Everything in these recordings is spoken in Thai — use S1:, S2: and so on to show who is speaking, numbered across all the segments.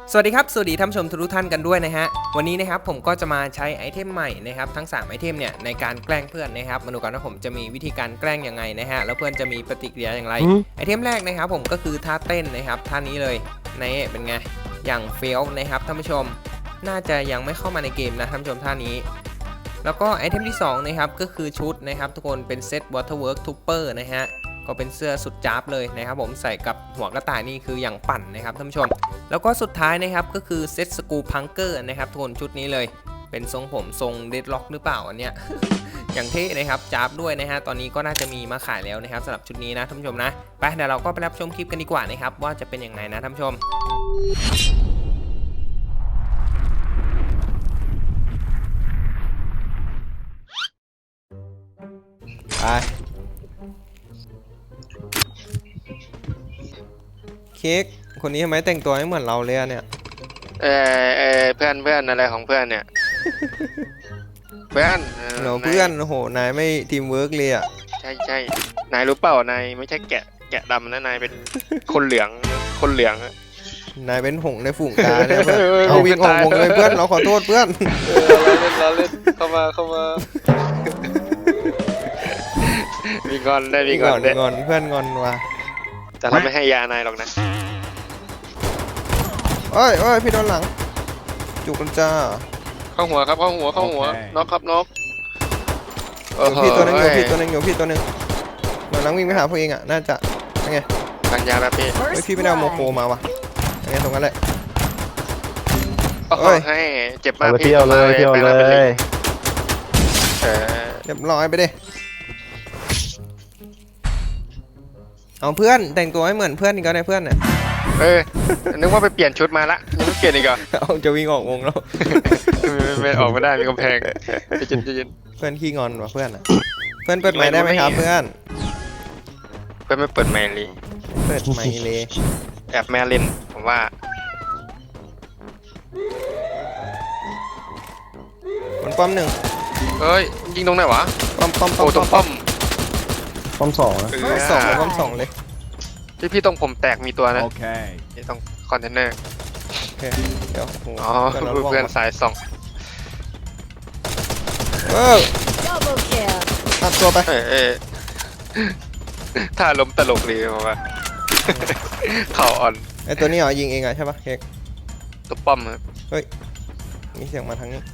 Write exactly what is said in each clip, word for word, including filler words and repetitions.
S1: สวัสดีครับสวัสดีท่านผู้ชมทุกท่านกันด้วยนะฮะวันนี้นะครับผมก็จะมาใช้ไอเทมใหม่นะครับทั้งสามไอเทมเนี่ยในการแกล้งเพื่อนนะครับมาดูกันว่าผมจะมีวิธีการแกล้งยังไงนะฮะแล้วเพื่อนจะมีปฏิกิริยาอย่างไรไอเทมแรกนะครับผมก็คือท่าเต้นนะครับท่านี้เลยนี่เป็นไงอย่างเฟี้ยวนะครับท่านผู้ชมน่าจะยังไม่เข้ามาในเกมนะท่านผู้ชมท่านี้แล้วก็ไอเทมที่สองนะครับก็คือชุดนะครับทุกคนเป็นเซต Waterwork Trooper นะฮะก็เป็นเสื้อสุดจ๊าบเลยนะครับผมใส่กับหัวกระต่ายนี่คืออย่างปั่นนะครับท่านผู้ชมแล้วก็สุดท้ายนะครับก็คือเซตสกูพังเกอร์นะครับทุกคนชุดนี้เลยเป็นทรงผมทรงเดดล็อกหรือเปล่าอันเนี้ย อย่างเท่นะครับจ๊าบด้วยนะฮะตอนนี้ก็น่าจะมีมาขายแล้วนะครับสำหรับชุดนี้นะท่านผู้ชมนะไปเดี๋ยวเราก็ไปรับชมคลิปกันดีกว่านะครับว่าจะเป็นยังไงนะท่านผู้ชมไปเค้กคนนี้ทำไมแต่งตัวไม่เหมือนเราเลยอะเนี่ย
S2: เออเออเพื่อนเพื่อนอะไรของเพื่อนเนี่ย เพื่อน
S1: เราเพื่อนโอ้โหนายไม่ทีมเวิร์กเลยอะ
S2: ใช่ใช่นายรู้เปล่านายไม่ใช่แกะแกะดำนะนายเป็นคนเหลืองคนเหลือง
S1: นายเป็นหงในฝูงกาเนี่ยเอาวิ่งออกวงเลยเพื่อนเราขอโทษเพื่อน
S2: เราเล่นเราเล่นเข้ามาเข้ามามีงอนได้มีงอนได้
S1: งอนเพื่อนงอนว่ะ
S2: แต่เราไม่ให้ยานายหรอกนะ
S1: เอ้ยเอ้ยพี่โดนหลังจุกกันจ้า
S2: เข้าหัวครับเข้าหัวเข้าหัวน็อกครับน็อก
S1: อยู่พี่ตัวนึงอยู่พี่ตัวนึงอยู่พี่ตัวนึงหลังวิ่งไปหาพวกเองอ่ะน่าจะยังไง
S2: กันยาแบบพี่
S1: เฮ้ยพี่ไม่ได้เอาโมโคมาว่ะยังไงตรงนั้นแหละ
S2: เฮ้ยให้เจ็บมากพี่
S3: เที่ยวเลยเที่ยวเลย
S1: เรียบร้อยไปดิเอาเพื่อนแต่งตัวให้เหมือนเพื่อนอีกแล้วเนี่ยเพื่อนเนี่ย
S2: เออนึกว่าไปเปลี่ยนชุดมาละยังไม่เปลี่ยนอีกเหรอ
S1: เอาจะวิ่งออกวงแล้ว
S2: ไม่ออกไม่ได้มีกำแพงจะยินจะยิน
S1: เพื่อนขี้งอนว่ะเพื่อนอ่ะเพื่อนเปิดไมค์ได้ไหมครับเพื่อน
S2: เพื่อนไม่เปิดไมค์เลย
S1: เปิดไมค์เลย
S2: แอบแม่เล่นผมว่า
S1: บนป้อมหนึ่ง
S2: เฮ้ยยิงตรงไหนวะ
S1: ป้อมป้อม
S2: โอ้ตรงป้อม
S3: ป้อมสอง
S1: สองป้อมสองเลย
S2: ที่พี่ตรงผมแตกมีตัวนะโอเคที่ตรงคอนเทนเนอร์
S1: โอเคเดี๋ยว
S2: อ๋อเพื่อนสายสอง
S1: เออตัดตัวไป
S2: เออถ้าล้มตลกดีมั้งวะเข่าอ่อน
S1: ไอตัวนี้เหรอยิงเองอะใช่ปะเค้ก
S2: ตัวป้อมครับ
S1: เฮ้ยมีเสียงมาทางนี้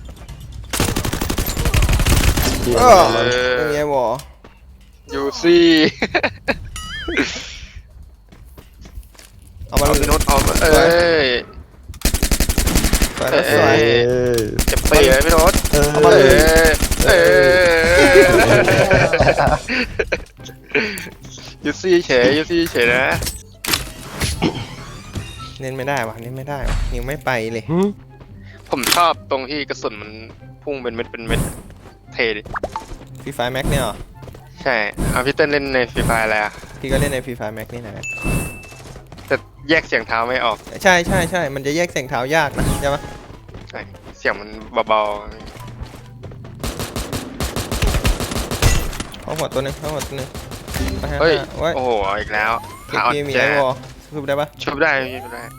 S2: เออ
S1: เป็นไงวะ
S2: ยูซี่
S1: เอามาเลย
S2: โน้ตเอาเอ้ย
S1: สวยสวย
S2: เจ็บปีเลยพี่โน้ต
S1: เอามาเลย
S2: เอยูซี่เฉยยูซี่เฉยนะ
S1: เน้นไม่ได้วะเน้นไม่ได้วะยิงไม่ไปเลย
S2: ผมชอบตรงที่กระสุนมันพุ่งเป็นเม็ดเป็นเม็ดเท่ดิ
S1: ฟรีไฟแม็กเนี่ยหรอ
S2: ใช่เอาพี่เต้นเล่นในฟรีไฟอะไรอ่ะ
S1: พี่ก็เล่นในฟรีไฟแม็กนี่แหละ
S2: แต่แยกเสียงเท้าไม่ออก
S1: ใช่ใช่ใช่มันจะแยกเสียงเท้ายากนะใช่ไหม
S2: ใช่เสียงมันเบา
S1: ๆเข้าหัวตัวนึงเข้าหัวตัวนึง
S2: เฮ้ยโอ้โหอีกแล้ว
S1: ขาอ่อนแจชุบได้ปะ
S2: ชุบได้ชุบได้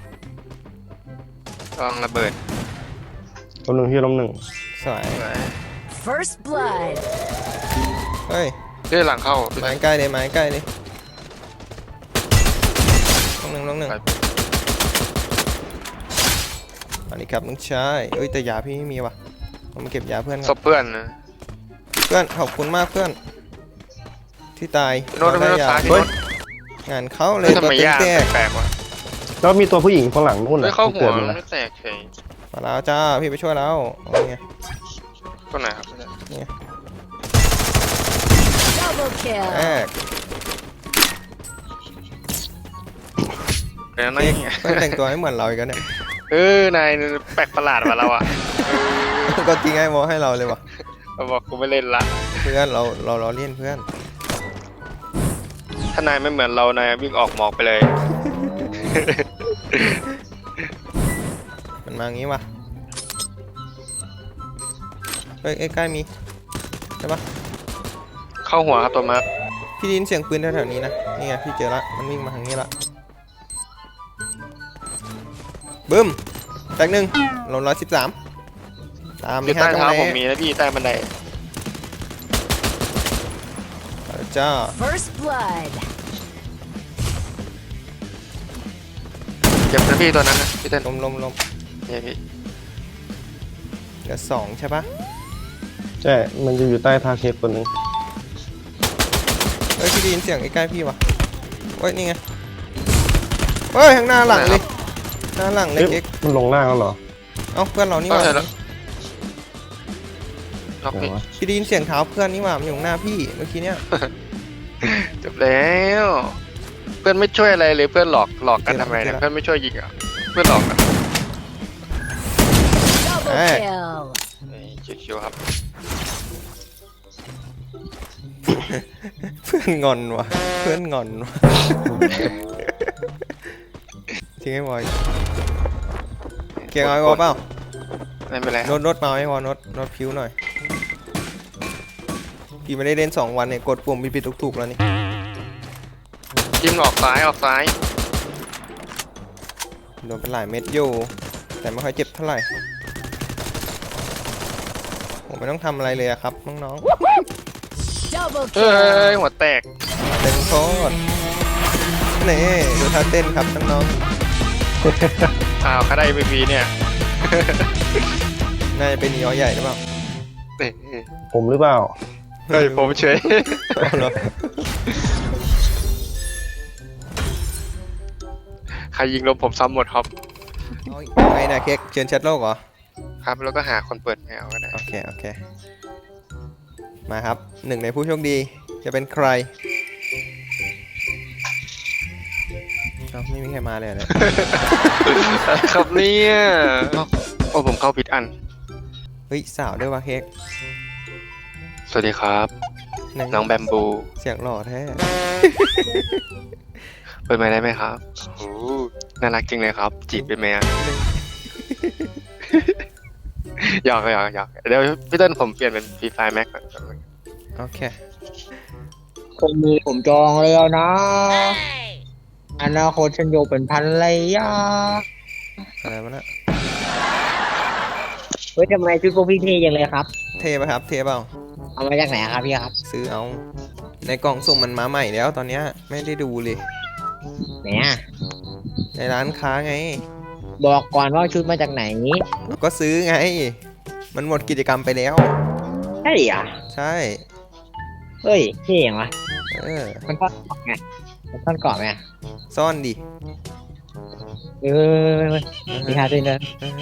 S2: ลองระเบิด
S3: ล้มหนึ่งที่ล้มหนึ่ง
S1: สวย
S4: First blood
S1: เฮ้ย
S2: เรื่องหลังเข้า
S1: ไม้ใกล้เลยไม้ใกล้เลยลงหนึ่งลงหนึ่งอันนี้ครับน้องชายเอ้ยแต่ยาพี่ไม่มีว่ะผมมาเก็บยาเพื่อน
S2: ศพเพื่อนนะ
S1: เพื่อนขอบคุณมากเพื่อนที่ตาย
S2: โน้ตไม่โน้ตตายที่โน้ต
S1: งานเขาเลยตัวเต็มแตก
S2: แปลกว่ะ
S3: แล้วมีตัวผู้หญิงข้างหลังนู่น
S2: เลยเข้าหัวไม่แตกเฉย
S1: มาแล้วจ้าพี่ไปช่วยแล้วโอ้ย
S2: ก็ไหนครับ
S1: นี่
S4: แอ
S1: ก
S2: เป็นอะไร
S1: เนี่ยแต่งตัวให้เหมือนเราอีกแล้วเนี่ย
S2: เออนายแปลกประหลาดว่ะเราอ่ะ
S1: ก็จริงไอ้โมให้เราเลยว่ะ
S2: เราบอกกูไม่เล่นละ
S1: เพื่อนเราเราเราเล่นเพื่อน
S2: ถ้านายไม่เหมือนเรานายวิ่งออกหมอกไปเลย
S1: มันมางี้ว่ะเฮ้ยใกล้ๆมีใช่ปะ
S2: เข้าหัวครับตัวมาร์ค
S1: พี่ได้ยินเสียงปืนแถวๆนี้นะนี่ไงพี่เจอละมันวิ่งมาทางนี้ละบึ้มแตกหนึ่งลงร้อยสิบสามตาม
S2: อยู่
S1: นี่
S2: ใต้
S1: ฮะตรง
S2: เท้า
S1: ไหน
S2: ผมมีนะพี่ใต้บันได
S1: จ้า
S4: First blood.
S2: เจ็บนะพี่ตัวนั้นนะพี่เต้น
S1: ลมลมลม
S2: เนี่ยพี่
S1: เหลือสองใช่ปะ
S3: ใช่มันจะอยู่ใต้ทาเคสคนหนึง
S1: เฮ้ยพี่ได้ยินเสียงใกล้ๆพี่วะเฮ้ยนี่ไงเฮ้ยข้างหน้าหลังเลยหน้าหลังเลย
S3: เอ๊ะ
S1: เอ็ก
S3: มันลงล่างแล้วเหรอ
S1: เอ้าเพื่อนเรานี่ห
S2: ก็
S1: ว่า
S2: เสร็จแล้วล็อก
S3: ไหน
S2: พี่
S3: วะ
S1: พี่ได้ยินเสียงเท้าเพื่อนนี่หว่ามันอยู่ข้างหน้าพี่เมื่อกี้เนี้ย
S2: จบแล้วเพื่อนไม่ช่วยอะไรเลยเพื่อนหลอกหลอกกันทำไมเนี่ย
S1: เจอแล้ว
S2: เพื่อนไม่ช่วยยิงอ่ะเพื่อนหลอกกัน
S4: Double
S1: Hey.
S4: kill.
S2: นี่ชิวๆครับ
S1: เพื่อนงอนว่ะเพื่อนงอนว่ะทิ้งให้บอยเกียร์เอาไอ้วอลเปล่า
S2: ไม่เป็นไร
S1: โน้ตโน้ตมาไอ้วอลโน้ตโน้ตพิ้วหน่อยพี่ไม่ได้เล่นสองวันเนี่ยกดปุ่มผิดๆถูกๆแล้วนี่
S2: จิ้มออกซ้ายออกซ้าย
S1: โดนเป็นหลายเม็ดอยู่แต่ไม่ค่อยเจ็บเท่าไหร่ผมไม่ต้องทำอะไรเลยอะครับน้อง
S4: Double
S2: เฮ้ย
S4: kill.
S2: หัวแตก
S1: ๆเต้นโคตรนี่ดูท่าเต้นครับน้อง
S2: อ้าวคาได้พีพีเนี่ย
S1: ๆน่าจะเป็นยอใหญ่หรือเปล่า
S2: นี่
S3: ผมหรือเปล่า
S2: เฮ้ยผมเฉย
S1: เอาเหรอ
S2: ใครยิงลมผมซ้ำหมดครับ
S1: เอาไงนะเค้กเชิญแชทโลกเหรอ
S2: ครับแล้วก็หาคนเปิดแมวก็ได้
S1: โอเค โอเค มาครับ หนึ่งในผู้โชคดี จะเป็นใครเอ้าไม่มีใครมาเลยเหรอเนี่ย
S2: ครับเนี่ยโอ้ผมเข้าผิดอัน
S1: เฮ้ย สาวด้วยวะเค้ก
S2: สวัสดีครับ
S1: ไห
S2: น้องแบมบู
S1: เสียงหล่อแท้
S2: เปิดไมค์ได้ไหมครับโอ้น่ารักจริงเลยครับ จีบเป็นไหมอะ หยอกหยอกหยอกเดี๋ยวพี่เต้นผมเปลี่ยนเป็นฟรีไฟแม็กก่อน
S1: โอเค
S5: คนมีผมจองแล้วนะ อนาคตฉันอยู่เป็นพันเลยยา
S1: อะไรวะน่ะ
S5: เฮ้ยทำไมชุดพวกพี่เท่ยังเลยครับ
S1: เทปะครับ เทเปล่า
S5: เอามาจากไหนครับพี่ครับ
S1: ซื้อเอา ในกล่องสุ่มมันมาใหม่แล้วตอนเนี้ยไม่ได้ดูเลย
S5: เนี่ย
S1: ในร้านค้าไง
S5: บอกก่อนว่าชุดมาจากไหน
S1: ก็ซื้อไง มันหมดกิจกรรมไปแล้ว
S5: ใช่เหรอ
S1: ใช่
S5: เฮ้ยเท่ยังวะ
S1: เออ
S5: มันทอดกรอบไงมันทอดกรอบไง
S1: ซ่อนดิ
S5: เออมีฮาด้วยนะ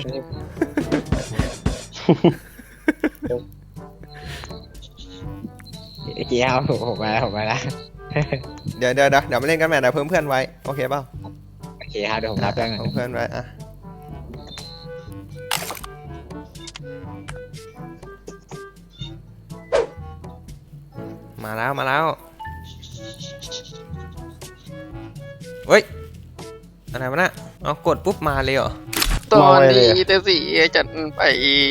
S5: โอเคครับผมผมมาแล้วผมมาแล้ว
S1: เดี๋ยวเดี๋ยวเดี๋ยวเดี๋ยวมาเล่นกันใหม่เดี๋ยวเพิ่มเพื่อนไว้ โอเคเปล่า
S5: โอเคครับเดี๋ยวผมรับเรื่องหน่อย
S1: เพิ่มเพื่อนไว้อะมาแล้วมาแล้วเฮ้ยอะไรวะน่ะเอากดปุ๊บมาเลยเหรอ
S2: ตอนนี้แต่สีจัดไป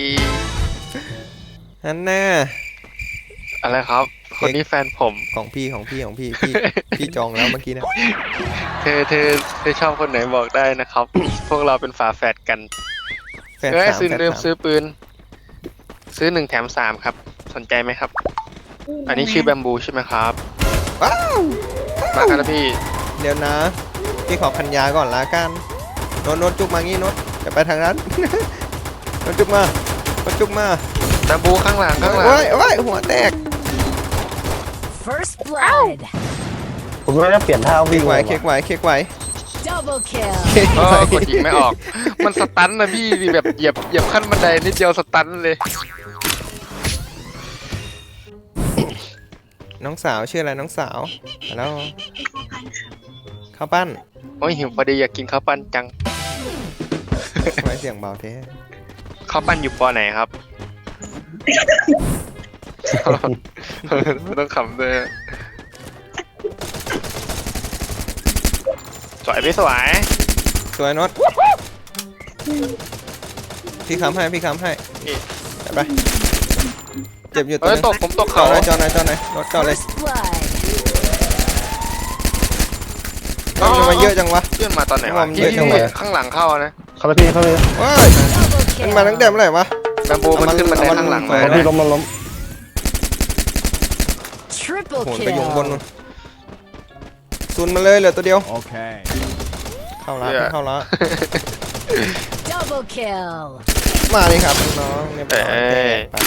S1: นั่นแน่
S2: อะไรครับ คนนี้แฟนผม
S1: ของพี่ของพี่ของพี่พี่ พี่จองแล้วเมื่อกี้นะ
S2: เธอเธอเธอชอบคนไหนบอกได้นะครับ พวกเราเป็นฝาแฝดกัน
S1: แฟน
S2: เอ้ย
S1: สาม
S2: ซื้อ
S1: แฟน
S2: เริ่ม
S1: สาม
S2: ซื้อปืน ซื้อหนึ่งแถมสามครับ สนใจไหมครับ อันนี้ชื่อแบมบูใช่ไหมครับ
S1: ว้าว
S2: มาครับพี่
S1: เดี๋ยวนะ พี่ขอพันยาก่อนละกันโน้ตโน้ตจุกมางี้โน้ตจะไปทางนั้น โน้ตจุกมาโน้ตจุกมา
S2: แบมบูข้างหลังข้างหลัง
S1: โอ้ยโอ้ยหัวแตก
S4: First blood.
S3: ผมไม่ได้เปลี่ยนท่า
S1: เค้
S3: วิ่ง
S1: กไหว
S3: เลย
S1: เค้ก
S3: ว่ะ
S1: ไหวเค้กไหว
S4: Double kill.
S1: เค้ก
S2: อ๋อ
S1: ไหว
S2: กดยิงไม่ออก มันสตันนะพี่แบบเหยียบเหยียบขั้นบันไดนิดเดียวสตันเลย
S1: น้องสาวชื่ออะไรน้องสาวแล้วข้าวปั้น
S2: โอ้ยหิวพอดีอยากกินข้าวปั้นจัง
S1: ทำไมเสียงเบาเท่
S2: ข้าวปั้นอยู่ปอไหนครับ ไม่ต้องขำเลยสวยพี่สวย
S1: สวยโน้ตพี่ค้ำให้พี่ค้ำให้
S2: นี่
S1: ไปเจ็บอยู่ตัว
S2: เอ้ย
S1: นึง
S2: ตกผมตก
S1: จอ
S2: เขา
S1: ดหน่อยจอดหน่อยจอดหน่อยรถจอดเลย
S4: First blood.
S1: เอ้าทำไมเยอะจังวะ
S2: เพื่อนมาตอนไหนวะ
S1: มัน
S2: พี่
S1: เยอะจัง
S2: พี่
S1: เลย
S2: ข้างหลังเข้านะ
S3: เข้าเลยพี่เข้าเลย
S1: ว้าย
S4: Double
S1: มันมาตั้งแต่
S4: kill.
S1: เมื่อไหร่วะ
S2: แบมโบมันขึ้นบันไดข้างหลังมา
S3: เอาพี่ล้มล้มล้ม
S4: Triple
S1: โหนไปอยู่บน
S4: kill.
S1: นู่นซุนมาเลยเหลือตัวเดียว
S6: Okay.
S1: เข้าละพี่เข้าละ
S4: Double kill.
S1: มาเลยครับน้องๆเรียบร้อย
S2: เอ้ย
S1: ไป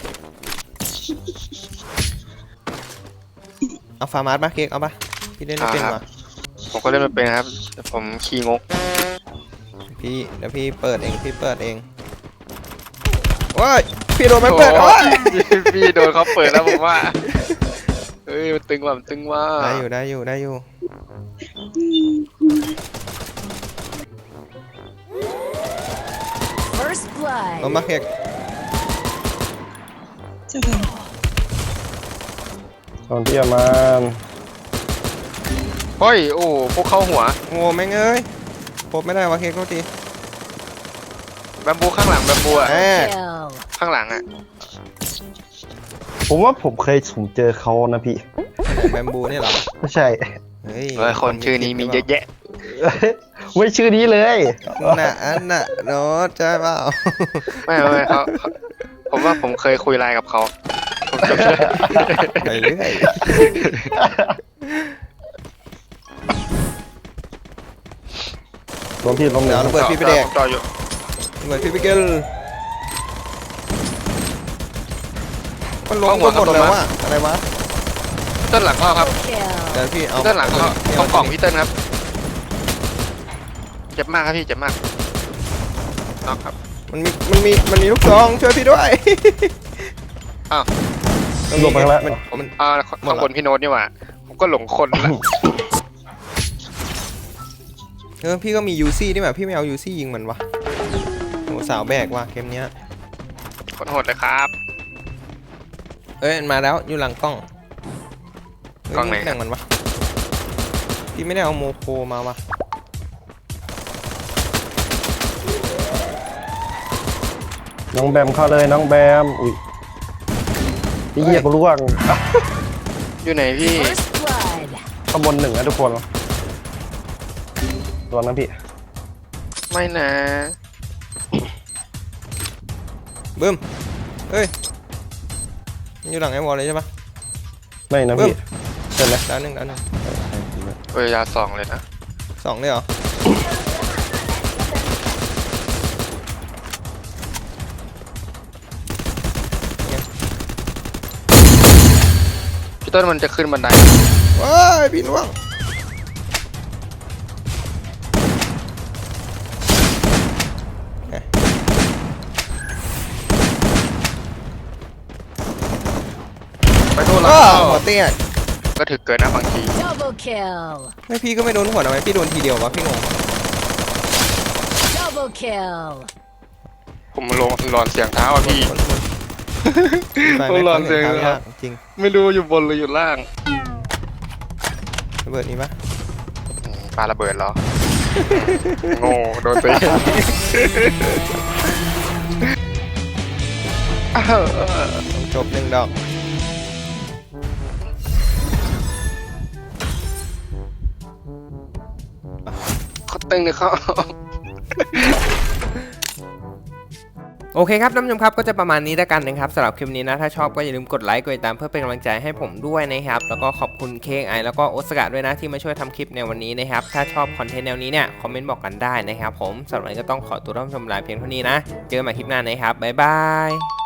S1: เอาฟาร์มาสปะเค้กเอาปะพี่เล่นไม่เป็นวะ
S2: ผมก็เล่นไม่เป็นครับแต่ผมขี้งก
S1: พี่เดี๋ยวพี่เปิดเองพี่เปิดเองว้ายพี่โดนมันเปิด
S2: โอ้
S1: โอ้ย
S2: พี่โดนเขาเปิดแล้วผมว่าเฮ้ยมันตึงว่ะมันตึงว่า
S1: ได้อยู่ได้อยู่ได้อยู่
S4: First
S1: ลง
S4: blood.
S1: มาเค้ก
S3: ตอนพี่เอามา
S2: เฮ้ยโอ้พวกเข้าหัว
S1: โอ้แม่งเอ้ยพบไม่ได้วะเค้กโทษที
S2: แบมโบข้างหลังแบมโบอ่ะ
S1: แหม
S4: Kill.
S2: ข้างหลังอ่ะ
S3: ผมว่าผมเคยผมเจอเขานะพี่
S1: แบมบูนี่เหรอ
S3: ไม่ใช่
S1: เฮ้ย
S2: เฮ้ยคนชื่อนี้มีเยอะแยะ
S3: ไม่ชื่อนี้เลย
S1: น่ะอันน่ะโน้ตใช่เปล่า
S2: ไม่ไม่ไม่เขาเขาผมว่าผมเคยคุยไลน์กับเขาผมจำได้
S1: ไปเรื่อย
S3: ล้มพี่ล้ม
S1: เดี๋ยว
S3: แล้ว
S1: เราเปิดพี่ไปแดก
S2: ผมต่ออยู่
S1: เหมือนพี่ไปเกลมันลงหมดแล้วอะอะไรวะ
S2: พี่เต้นหลังเข้าครับ
S4: Kill.
S1: เดี๋ยวพี่เอา
S2: พี่เต้นหลังเข้า
S1: พี่
S2: ต้องกล่องพี่เต้นครับเจ็บมากครับพี่เจ็บมากน็อกครับ
S1: มันมีมันมีมันมีลูกซองช่วยพี่ด้วย
S2: อ้าว
S3: ลงไปแล้ว
S1: มัน
S2: ผม
S1: มัน
S2: อ่าข้างบนพี่โน้ตนี่หว่าผมก็หลงคนละ
S1: เออพี่ก็มียูซี่นี่แบบพี่ไม่เอายูซี่ยิงมันวะโหสาวแบกว่ะเกมเนี้ย
S2: คนโหดเลยครับ
S1: เอ้ยมันมาแล้วอยู่หลังกล้องเฮ้ย
S2: กล้องไหน
S1: แบ่งมันวะพี่ไม่ได้เอาโมโคมาวะ
S3: น้องแบมเข้าเลยน้องแบมอุ้ยพี่เหี้ยกูร่วง
S2: อยู่ไหนพี่
S4: First blood.
S3: ข้างบนหนึ่งนะทุกคนระวังนะพี่
S2: ไม่นะ
S1: บึ้มเฮ้ยมันอยู่หลังไอ้วอลเลยใช่ปะ
S3: ไม่นะพี่ใช่ไหม
S1: ดาวหนึ่งดาวหนึ่ง
S2: เวลาสองเลยนะ
S1: สองเลยเหรอ
S2: พี่ต้นมันจะขึ้นบันได
S1: ว้ายพี่ล่วง
S2: ไปโดนหลัง
S1: อ้าว
S2: เข้า
S1: หัวเตี้ย
S2: ก็ถึกเกินนะบางที
S4: Double kill.
S1: ไม่พี่ก็ไม่โดนหัวทำไมพี่โดนทีเดียววะพี่งง
S4: Double kill.
S2: ผมลงหลอนเสียงเท้าอ่ะพี่
S1: คนคนไป
S2: โอ้
S1: ไม่
S2: หลอน
S1: เห็
S2: เสียง
S1: ทาง
S2: ครั
S1: ยา
S2: บ
S1: กจริง
S2: ไม่รู้อยู่บนหรืออยู่ล่าง
S1: ระเบิดนี้ปะ
S2: อืมปาระเบิดเหรอ โง่โดนตีอ้าว
S1: จบหนึ่งดอก
S2: เขาตึงเลยเขา
S1: โอเคครับท่านผู้ชมครับก็จะประมาณนี้แล้วกันนะครับสำหรับคลิปนี้นะถ้าชอบก็อย่าลืมกดไลค์กดติดตามเพื่อเป็นกำลังใจให้ผมด้วยนะครับแล้วก็ขอบคุณเค้กไอแล้วก็โอสกะด้วยนะที่มาช่วยทำคลิปในวันนี้นะครับถ้าชอบคอนเทนต์แนวนี้เนี่ยคอมเมนต์บอกกันได้นะครับผมสำหรับวันนี้ก็ต้องขอตัวท่านผู้ชมลาเพียงเท่านี้นะเจอกันใหม่คลิปหน้านะครับบ๊ายบาย